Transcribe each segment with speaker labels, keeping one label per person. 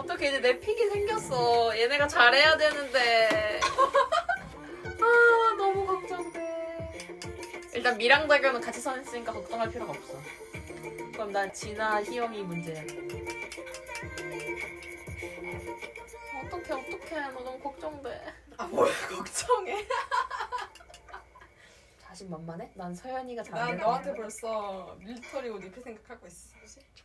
Speaker 1: 어떻게 이제 내 픽이 생겼어. 얘네가 잘해야 되는데. 아 너무 걱정돼. 일단 미랑 대결은 같이 선했으니까 걱정할 필요가 없어. 그럼 난 진아 희영이 문제야. 어떡해 너 너무 걱정돼.
Speaker 2: 아 뭘 걱정해?
Speaker 1: 자신만만해? 난 서연이가
Speaker 2: 난
Speaker 1: 잘해.
Speaker 2: 너한테 벌써 밀리터리 옷 입힐 생각하고 있어.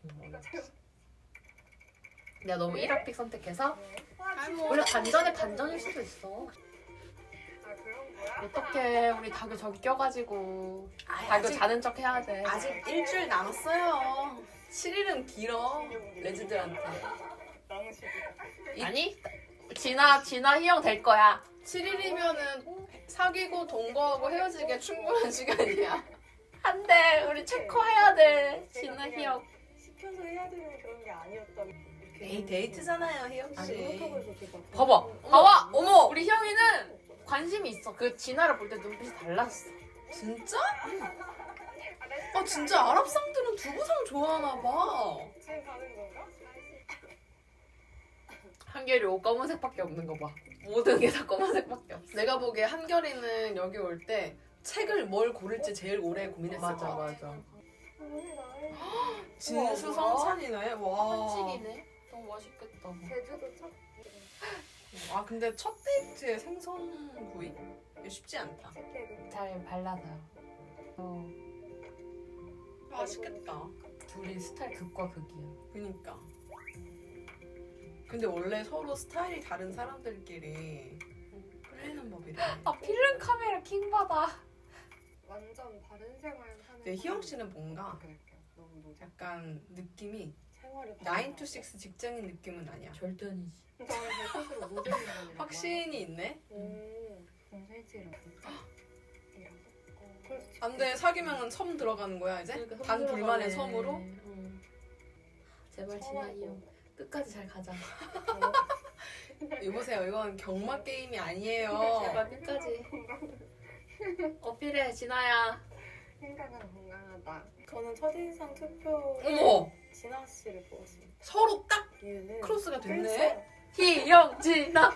Speaker 1: 내가 너무 1학픽 선택해서
Speaker 2: 아니 뭐
Speaker 1: 원래 반전일 수도 있어.
Speaker 3: 아 그런 거야?
Speaker 1: 어떡해 우리 다교 저기 껴가지고 다교
Speaker 2: 아직
Speaker 1: 자는 척 해야 돼.
Speaker 2: 아직 일주일 남았어요. 7일은 길어 레즈들한테.
Speaker 1: 아니 진아 희영 될 거야.
Speaker 2: 7일이면은 사귀고 동거하고 헤어지기에 충분한 시간이야.
Speaker 1: 한데 우리 체커해야 돼. 진아 희영.
Speaker 3: 시켜서 해야 되는 그런 게 아니었다고.
Speaker 2: 에이 데이트잖아요 희영
Speaker 3: 아니
Speaker 2: 씨.
Speaker 3: 그렇다고 해서 제가
Speaker 1: 봐봐.
Speaker 2: 어머
Speaker 1: 우리 희영이는 관심이 있어. 그 진아를 볼 때 눈빛이 달랐어.
Speaker 2: 진짜? 아 진짜 아랍 상들은 두부상 좋아하나 봐.
Speaker 3: 지금 가는 건가?
Speaker 1: 한결이 옷 검은색밖에 없는 거 봐. 모든 게 다 검은색밖에 없어.
Speaker 2: 내가 보기에 한결이는 여기 올 때 책을 뭘 고를지 제일 오래 고민했을
Speaker 1: 맞아
Speaker 2: 거야.
Speaker 1: 맞아.
Speaker 3: 오늘 나의
Speaker 2: 진수성찬이네. 와.
Speaker 1: 한식이네. 너무 맛있겠다.
Speaker 3: 제주도 첫
Speaker 2: 아 근데 첫 데이트에 생선구이? 이거 쉽지 않다.
Speaker 3: 티켓.
Speaker 1: 잘 발라서.
Speaker 2: 맛있겠다.
Speaker 1: 둘이 스타일 극과 극이야.
Speaker 2: 그니까. 근데 원래 서로 스타일이 다른 사람들끼리 끌리는 법이래.
Speaker 1: 필름 카메라 킹 받아.
Speaker 3: 완전 다른 생활 하는.
Speaker 2: 근데 희영 씨는 뭔가
Speaker 3: 너무 노자.
Speaker 2: 약간 느낌이
Speaker 3: 생활이
Speaker 2: 9 to 6 직장인 느낌은 아니야.
Speaker 1: 절대 아니지.
Speaker 3: 저는 스스로 모델인 거예요.
Speaker 2: 확신이 있네?
Speaker 3: 공실이라고.
Speaker 2: 안 돼. 사귀면 섬 들어가는 거야 이제? 단 둘만의 섬으로?
Speaker 1: 제발 진아 희영 끝까지 잘 가자.
Speaker 2: 여보세요. 이건 경마 게임이 아니에요.
Speaker 1: 제발 끝까지. 어필해 진아야.
Speaker 3: 생각은 건강하다. 저는 첫인상 투표
Speaker 2: 어머!
Speaker 3: 진아 씨를 뽑았습니다.
Speaker 2: 서로 딱
Speaker 3: 이유는
Speaker 2: 크로스가 됐네?
Speaker 1: 희영 진아.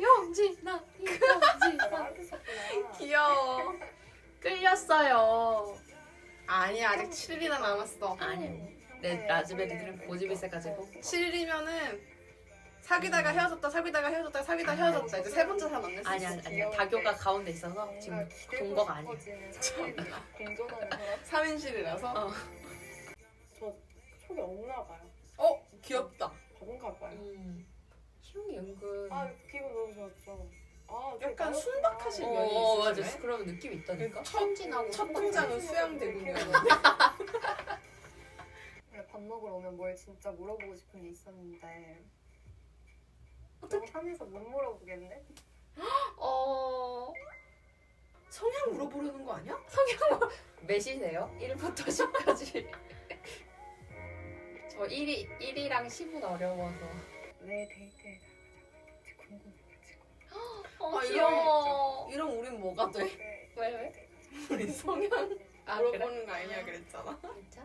Speaker 3: 나한테 썼구나.
Speaker 2: 귀여워.
Speaker 1: 끌렸어요.
Speaker 2: 아니야. 아직 7일이나 남았어.
Speaker 1: 아니야. 내 라즈베리들은 고집이 세가지고.
Speaker 2: 7일이면은 사귀다가 헤어졌다 이제 세 번째 사람 만났어.
Speaker 1: 아니야. 다교가 가운데 있어서 지금 동거가 아니야.
Speaker 3: 공존하는 사람?
Speaker 2: 3인실이라서?
Speaker 1: 어.
Speaker 3: 저 촉이 없나 봐요.
Speaker 2: 귀엽다.
Speaker 3: 바본가 봐요.
Speaker 1: 희영이 은근.
Speaker 3: 기분 너무 좋았죠.
Speaker 2: 약간 순박하신
Speaker 1: 어,
Speaker 2: 면이
Speaker 1: 맞아.
Speaker 2: 있으시네.
Speaker 1: 그런 느낌 있다니까.
Speaker 2: 첫-
Speaker 1: 천진하고
Speaker 2: 첫
Speaker 1: 순박해.
Speaker 2: 등장은 수양대군이었는데.
Speaker 3: 밥 먹으러 오면 뭘 진짜 물어보고 싶은 게 있었는데 너무 산에서 못 물어보겠네?
Speaker 2: 성향 물어보려는 거 아니야?
Speaker 1: 몇이세요? 1부터 10까지. 저 1이랑 10은 어려워서.
Speaker 3: 왜 데이트에 나가자고 했는지 궁금해가지고
Speaker 2: 아,
Speaker 1: 귀여워.
Speaker 2: 이런 우린 뭐가 돼?
Speaker 1: 왜?
Speaker 2: 우리 성향
Speaker 1: 아,
Speaker 2: 물어보는 거 아니야 그랬잖아.
Speaker 1: 진짜?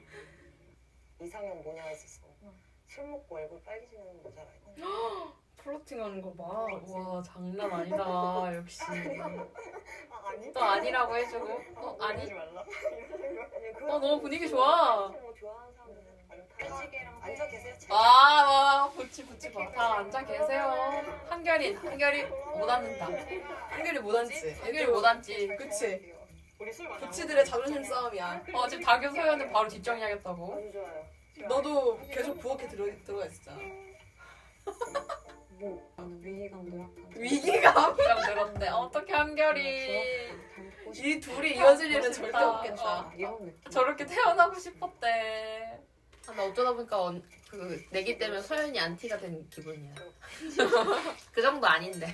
Speaker 3: 이상형 뭐냐 했었어. 술 먹고 얼굴 빨개지는 여자라.
Speaker 2: 플러팅하는 거 봐.
Speaker 1: 와 장난 아니다. 역시.
Speaker 3: 아니?
Speaker 1: 또 아니라고 해주고. 아니?
Speaker 3: 이러지 말라.
Speaker 1: 너무 분위기 좋아.
Speaker 3: 뭐 좋아하는 사람은 빨지개랑 앉아 계세요.
Speaker 1: 붙지 마. 다 앉아 계세요. 한결이 못 앉는다.
Speaker 2: 한결이 못 앉지.
Speaker 1: 한결이 못 앉지.
Speaker 2: 그치.
Speaker 3: 우리 술 많이
Speaker 2: 부치들의 자존심 싸움이야.
Speaker 1: 지금 다교 소연은 바로 뒷정리하겠다고.
Speaker 3: 안 좋아요.
Speaker 2: 너도 계속 부엌에 들어가 있었잖아.
Speaker 3: 뭐 위기감도 약간.
Speaker 2: 위기감?
Speaker 1: 기가 늘었대. 어떻게 한결이.
Speaker 2: 이 둘이 이어질 일은 절대
Speaker 1: 싶다.
Speaker 2: 없겠다.
Speaker 3: 이런 느낌.
Speaker 1: 저렇게 태어나고 싶었대. 나 어쩌다 보니까 그 내기 때문에 소연이 안티가 된 기분이야. 그 정도 아닌데.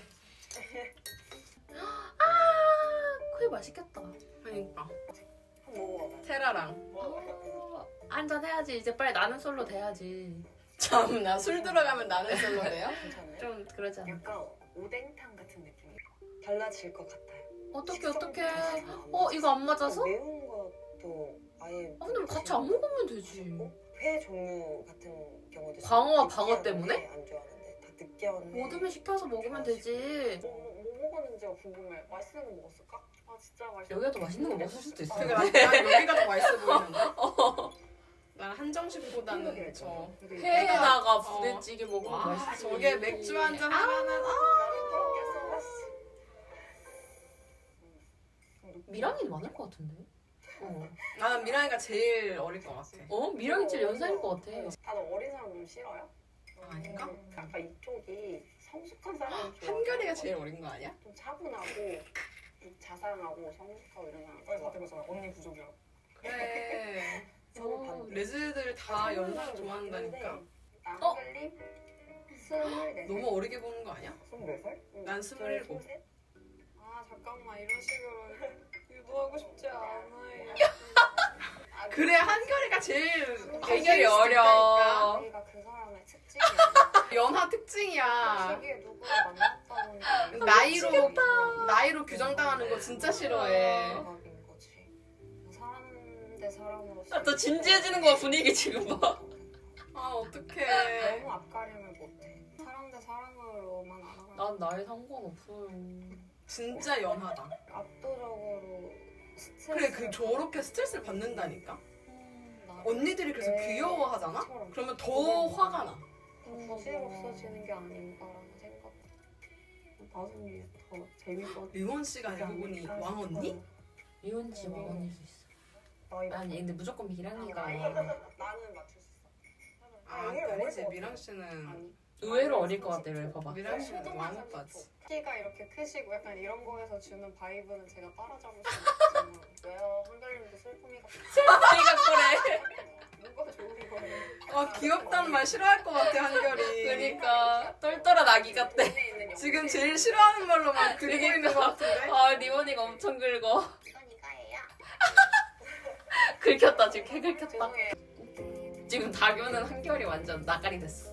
Speaker 1: 그게 맛있겠다.
Speaker 2: 그러니까
Speaker 3: 먹어봐.
Speaker 2: 테라랑.
Speaker 1: 한잔 해야지. 이제 빨리 나는 솔로 돼야지.
Speaker 2: 참나 술 들어가면 나는 솔로 돼요?
Speaker 3: 괜찮아요?
Speaker 1: 좀 그러지 않아?
Speaker 3: 약간 오뎅탕 같은 느낌. 달라질 것 같아요.
Speaker 1: 어떡해. 이거 안 맞아서?
Speaker 3: 매운 것도 아예.
Speaker 1: 근데 왜 같이 안 먹으면 되지.
Speaker 4: 회 종류 같은 경우도
Speaker 1: 광어와
Speaker 4: 느끼한
Speaker 1: 방어 때문에?
Speaker 4: 회 안 좋아하는데 다 느끼한 회
Speaker 1: 모듬을 시켜서 먹으면 되지.
Speaker 3: 뭐 먹었는지가 궁금해. 맛있는 거 먹었을까? 아 진짜 맛있어.
Speaker 1: 여기가 더 맛있는 거 먹을 수도 있어.
Speaker 2: 그러니까 난 여기가 더 맛있어 보이는데. 난 한정식보다는 저
Speaker 1: 회에다가
Speaker 2: 어.
Speaker 1: 부대찌개 먹으면
Speaker 2: 와,
Speaker 1: 맛있지.
Speaker 2: 저게 맥주 한잔 하면은
Speaker 1: 미랑이는 많을 것 같은데.
Speaker 2: 나는 미랑이가 제일 어릴 것 같아.
Speaker 1: 미랑이 제일 연상일 것 같아.
Speaker 3: 다들 어린 사람 좀 싫어요?
Speaker 2: 아닌가?
Speaker 3: 약간 이쪽이 성숙한 사람 좋아.
Speaker 2: 한결이가 제일 어린 거 아니야?
Speaker 3: 좀 차분하고 좀 자상하고 성숙하고 이런 사람.
Speaker 4: 다 되고서 언니 부족이야.
Speaker 2: 그래.
Speaker 4: 서로 반대.
Speaker 2: 레즈들 다 연상 좋아한다니까.
Speaker 3: 한글님 24살.
Speaker 2: 너무 어리게 보는 거 아니야?
Speaker 4: 24살?
Speaker 2: 난 27.
Speaker 3: 아 잠깐만 이런 식으로 유도하고 싶지 않아요.
Speaker 2: 그래 한결이가 제일
Speaker 1: 한결이
Speaker 2: 애기일 수도
Speaker 1: 어려.
Speaker 2: 있다니까.
Speaker 3: 우리가 그 사람의 특징이야.
Speaker 2: 연하 특징이야.
Speaker 3: 시기에 누구를 만났다는
Speaker 2: 나이로 규정당하는 거 진짜 싫어해.
Speaker 3: 인 거지. 사람 대 사람으로서
Speaker 1: 또 진지해지는 거야 분위기 지금 봐.
Speaker 2: 아 어떡해.
Speaker 3: 너무 앞가림을 못해. 사람 대 사람으로만 알아가.
Speaker 1: 난 나이 상관없어요.
Speaker 2: 진짜 연하다.
Speaker 3: 압도적으로 스트레스.
Speaker 2: 그래 그 저렇게 스트레스를 받는다니까.
Speaker 3: 나를
Speaker 2: 언니들이 그래서
Speaker 3: 네.
Speaker 2: 귀여워하잖아?
Speaker 3: 처럼
Speaker 2: 그러면 더 화가 나.
Speaker 3: 굳이 없어지는 게 아닌가라는 생각. 나중에 더 재밌어.
Speaker 2: 리원 씨가 알고 보니 왕 언니?
Speaker 1: 이혼 씨 왕언일 수 있어.
Speaker 4: 나이
Speaker 1: 아니 근데 무조건 미랑이가
Speaker 4: 나는 맞출 수 있어.
Speaker 2: 아 아니지 미랑 씨는
Speaker 3: 아니.
Speaker 1: 의외로 어릴 것 같아. 왜 봐봐.
Speaker 2: 미랑 씨는 왕 오빠지.
Speaker 3: 키가 이렇게 크시고 약간 이런 거에서 주는 바이브는 제가 따라잡을 수 없지만 왜요? 한달님도 슬픔이 같아.
Speaker 1: 이가 그래.
Speaker 3: 뭐가 좋은 거예요?
Speaker 2: 아 귀엽다는 말 싫어할 것 같아 한결이.
Speaker 1: 그러니까 똘똘한 아기 같대.
Speaker 3: 눈에 있는
Speaker 2: 지금 제일 싫어하는 말로만 그리고 있는 것 같은데.
Speaker 1: 아 리원이가 엄청 긁어.
Speaker 3: 이건 이거예요.
Speaker 1: 긁혔다 지금 개 긁혔다.
Speaker 3: 죄송해요.
Speaker 1: 지금 다교는 한결이 완전 나가리 됐어.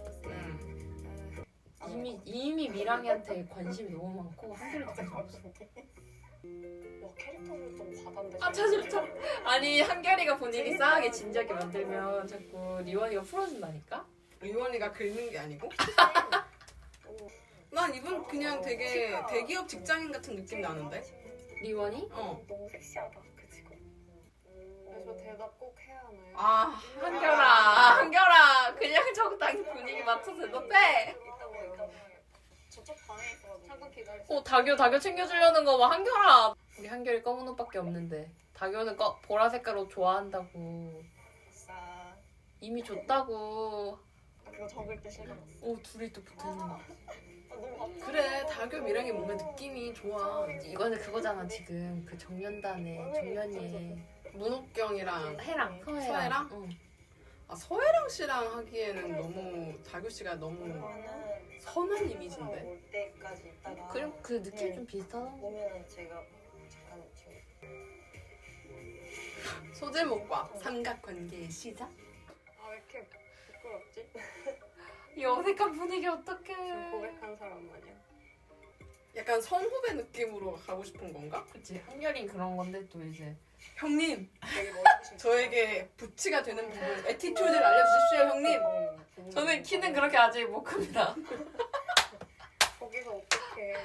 Speaker 1: 이미 미랑이한테 관심이 너무 많고 한결이 관심 없어.
Speaker 3: 와 캐릭터를 좀 과단데.
Speaker 1: 아 진짜. 아니 한결이가 본인이 싸하게 진지하게 만들면 자꾸 리원이가 풀어준다니까.
Speaker 2: 리원이가 긁는 게 아니고? 난 이분 그냥 되게 대기업 직장인 같은 느낌 나는데?
Speaker 1: 리원이?
Speaker 3: 너무 섹시하다 그 직업. 그래서 대답 꼭 해야 하나요?
Speaker 2: 아
Speaker 1: 한결아 그냥 적당히 분위기 맞춰서 대답해.
Speaker 3: 이따 보니까 저쪽 방에 있어가지고 잠깐 기다리세요.
Speaker 1: 다교 챙겨주려는 거 봐. 한결아. 우리 한결이 검은 옷밖에 없는데 다교는 보라 색깔 옷 좋아한다고.
Speaker 3: 아싸.
Speaker 1: 이미 줬다고.
Speaker 3: 그거 적을 때 싫어.
Speaker 1: 둘이 또 붙어있는 거.
Speaker 3: 너무
Speaker 2: 그래 다교 미랑이 뭔가 느낌이 좋아.
Speaker 1: 이거는 그거잖아 지금 그 정연이의
Speaker 2: 문옥경이랑
Speaker 1: 해랑
Speaker 2: 서해랑?
Speaker 1: 응.
Speaker 2: 아 서해랑 씨랑 하기에는 너무 다교 씨가 너무 선한 이미지인데?
Speaker 4: 올 때까지 있다가
Speaker 1: 그럼 그 느낌 좀 비슷하다.
Speaker 4: 보면은 제가 잠깐 지금
Speaker 2: 소제목과 삼각관계의 시작?
Speaker 3: 아왜 이렇게 부끄럽지?
Speaker 1: 이 어색한 분위기
Speaker 3: 지금
Speaker 1: 어떡해.
Speaker 3: 고백한 사람 마냥.
Speaker 2: 약간 선후배 느낌으로 가고 싶은 건가?
Speaker 1: 그치 한결이 그런 건데 또 이제
Speaker 2: 형님
Speaker 4: 되게 멋있으신
Speaker 2: 저에게 부치가 되는 부분 에티튜드를 알려주십시오 형님.
Speaker 1: 저는 키는 그렇게 아직 못 큽니다.
Speaker 3: 거기서 어떻게?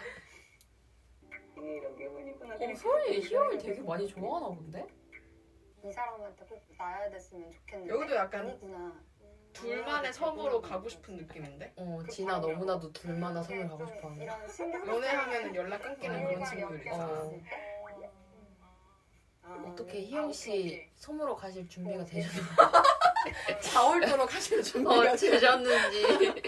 Speaker 4: 이런 기분이구나.
Speaker 1: 서희 희영이 되게 많이 좋아하나 본데?
Speaker 3: 이 사람한테 꼭 나야 됐으면 좋겠는데.
Speaker 2: 여기도 약간
Speaker 3: 아니구나.
Speaker 2: 둘만의 섬으로 가고 싶은 느낌인데?
Speaker 1: 진아 너무나도 둘마다 섬을 가고 싶어하는.
Speaker 3: 이런 신경
Speaker 2: 연애하면 연락 끊기는 그런 친구들 있잖아.
Speaker 1: 어떻게 희영 씨 섬으로 가실 준비가 되셨나요?
Speaker 2: 4월도로 가실 준비가
Speaker 1: 되셨는지.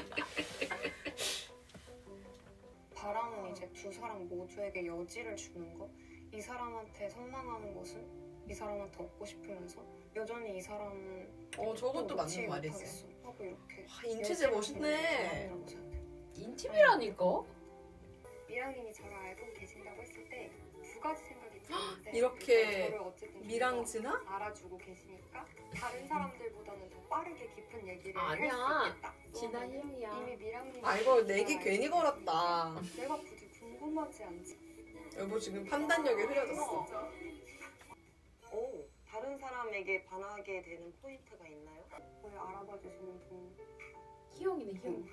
Speaker 3: 바람은 이제 두 사람 모두에게 여지를 주는 거. 이 사람한테 선망하는 것은 이 사람한테 얻고 싶으면서 여전히 이 사람은
Speaker 2: 저것도
Speaker 3: 놓지
Speaker 2: 맞는 말이지.
Speaker 3: 못하겠어. 하고 이렇게
Speaker 2: 와, 인체제 멋있네.
Speaker 3: 여지를 주는 게 사람이라고 생각해.
Speaker 1: 인팁이라니까?
Speaker 3: 미랑님이 저를 알고 계신다고 했을 때 두 가지 생각이 드는데
Speaker 2: 이렇게
Speaker 3: 저를 어쨌든 좀
Speaker 2: 미랑지나?
Speaker 3: 더 알아주고 계시니까 다른 사람들보다는 더 빠르게 깊은 얘기를
Speaker 1: 아니야.
Speaker 3: 할 수 있겠다.
Speaker 1: 진아 희영이야.
Speaker 3: 이미 미랑님
Speaker 2: 아 이거 내기 괜히 걸었다.
Speaker 3: 내가 굳이 궁금하지 않지.
Speaker 2: 여보 지금 판단력이 흐려졌어.
Speaker 4: 오, 다들 다른 사람에게 반하게 되는 포인트가 있나요?
Speaker 3: 왜 알아봐 주시는 분.
Speaker 1: 희영이네 희영.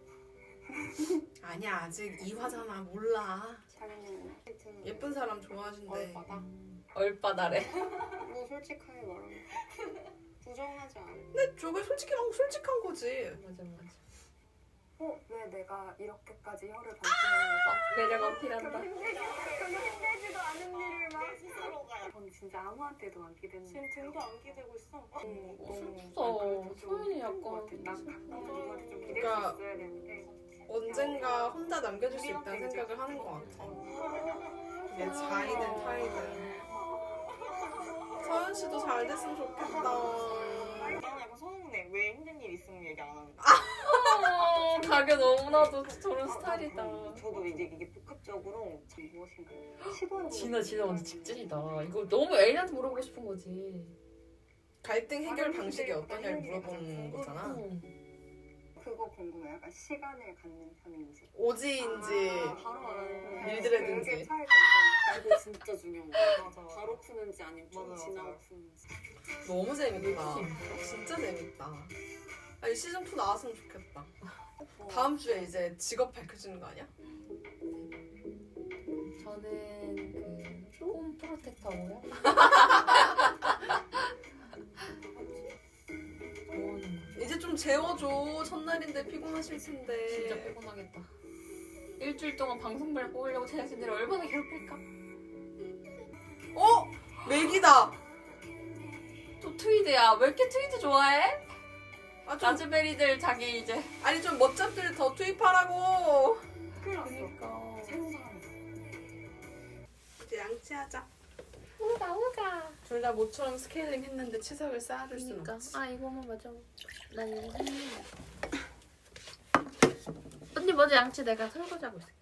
Speaker 2: 아니야 아직 2화잖아 몰라.
Speaker 3: 샤리는
Speaker 2: 예쁜 사람 좋아하신대.
Speaker 3: 얼빠다.
Speaker 1: 얼빠다래.
Speaker 3: 뭐 솔직하게 말하면 부정하지 않아.
Speaker 2: 근데 저게 솔직한 거지.
Speaker 1: 맞아 맞아.
Speaker 3: 왜 내가 이렇게까지 혀를 반짝이는
Speaker 1: 매력 어필한다.
Speaker 3: 별로 힘들지도 않은 일을 막
Speaker 4: 스스로가
Speaker 3: 전 진짜 아무한테도 안 기대는
Speaker 4: 지금 등도 안 기대고 있어.
Speaker 1: 슬프다. 소연이 약간
Speaker 3: 난 누구한테 좀 기댈
Speaker 2: 그러니까
Speaker 3: 수 있어야 되는데
Speaker 2: 언젠가 혼자 남겨줄 수 있다는 생각을 하는 것 같아. 이게 자이든 타이든. 서연 씨도 잘 됐으면 좋겠다.
Speaker 4: 나는 약간 서운해. 왜 힘든 일 있으면 얘기 안 하는 거야?
Speaker 1: 가게 너무나도 저런 스타일이다.
Speaker 4: 저도 이제 이게 복합적으로
Speaker 3: 참 무엇인가요? 시도해보고
Speaker 1: 진아 완전 직진이다. 이거 너무 애인한테 물어보고 싶은 거지.
Speaker 2: 갈등 해결 방식이 어떠냐를 물어보는 거잖아.
Speaker 3: 그거 궁금해. 약간 시간을 갖는 편인지
Speaker 2: 오지인지
Speaker 3: 바로 말하는
Speaker 2: 밀드레드인지.
Speaker 3: 되게 차이가 있는 이거 진짜 중요한 거
Speaker 4: 맞아.
Speaker 3: 바로 푸는지 아니면 좀
Speaker 4: 맞아,
Speaker 3: 지나고
Speaker 4: 맞아.
Speaker 3: 푸는지
Speaker 2: 너무 재밌다. 진짜 재밌다. 아니 시즌2 나왔으면 좋겠다. 다음 주에 이제 직업 밝혀지는 거 아니야?
Speaker 1: 저는 홈 프로텍터고요.
Speaker 2: 이제 좀 재워줘. 첫날인데 피곤하실
Speaker 1: 진짜
Speaker 2: 텐데.
Speaker 1: 피곤하겠다. 일주일 동안 방송별 뽑으려고 제작진들이 얼마나 괴롭힐까?
Speaker 2: 어? 맥이다.
Speaker 1: 또 트위드야. 왜 이렇게 트위드 좋아해?
Speaker 2: 아, 좀,
Speaker 1: 라즈베리들 자기 이제.
Speaker 2: 아니 좀 멋잡들 더 투입하라고.
Speaker 3: 큰일 났어
Speaker 1: 그러니까.
Speaker 3: 새로운 사람이
Speaker 2: 이제 양치하자.
Speaker 1: 우가.
Speaker 2: 둘 다 모처럼 스케일링 했는데 치석을 쌓아줄 수는 없지.
Speaker 1: 아 이거만 맞아. 난 이거 했는데. 언니 먼저 양치 내가 설거지하고 있을게.